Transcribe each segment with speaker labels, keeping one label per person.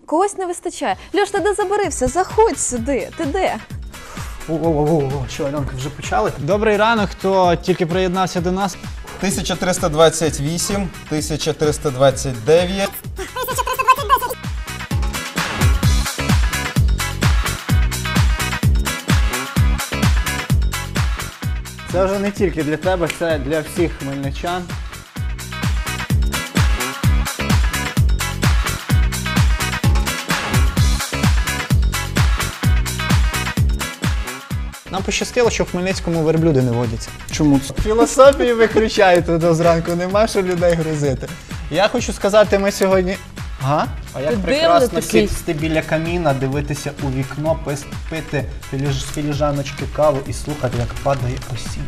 Speaker 1: когось не вистачає. Льош, ти де забарився? Заходь сюди. Ти де?
Speaker 2: Що, Альонка, вже почали?
Speaker 3: Добрий ранок, хто тільки приєднався до нас.
Speaker 4: 1328, 1329.
Speaker 2: Це вже не тільки для тебе, це для всіх хмельничан.
Speaker 3: Нам пощастило, що в Хмельницькому верблюди не водяться.
Speaker 2: Чому це? Філософії виключаєте до зранку, нема що людей грузити. Я хочу сказати, ми сьогодні... А як прекрасно сісти біля каміна, дивитися у вікно, пити з філіжаночки каву і слухати, як падає осінь.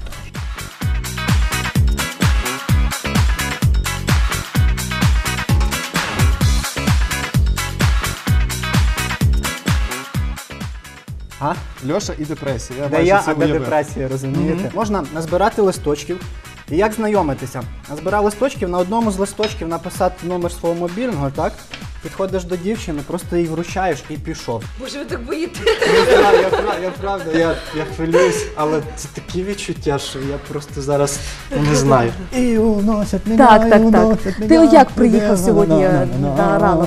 Speaker 4: Льоша і депресія.
Speaker 2: Де я, а де депресія, розумієте? Можна назбирати листочків. І як знайомитися? Назбирав листочків, на одному з листочків написати номер свого мобільного, так? Підходиш до дівчини, просто її вручаєш і пішов.
Speaker 1: Боже, ви так боїте.
Speaker 2: Я правда, я хвилююсь, але це такі відчуття, що я просто зараз не знаю. І уносять мене,
Speaker 1: Так. Ти як приїхав сьогодні на ранок?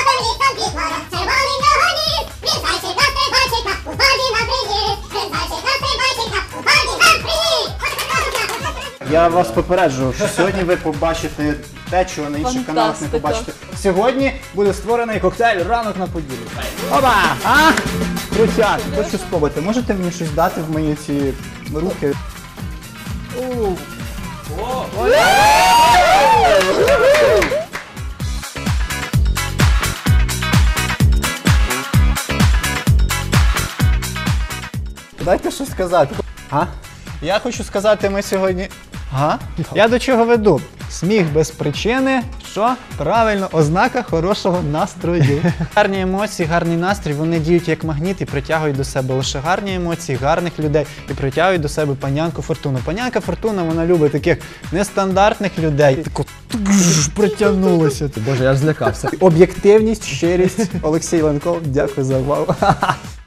Speaker 2: Я вас попереджую, що сьогодні ви побачите те, чого на інших каналах не побачите. Сьогодні буде створений коктейль «Ранок на Поділлі». Опа! А? Крутяк, хочу спробувати. Можете мені щось дати в мої ці руки? Дайте щось сказати. Я хочу сказати, ми сьогодні... Я до чого веду? Сміх без причини, що? Правильно, ознака хорошого настрою. Гарні емоції, гарний настрій, вони діють як магніт і притягують до себе лише гарні емоції, гарних людей і притягують до себе панянку Фортуну. Панянка Фортуна, вона любить таких нестандартних людей. Тако притягнулося. Боже, я ж злякався. Об'єктивність, щирість. Олексій Ленков, дякую за увагу.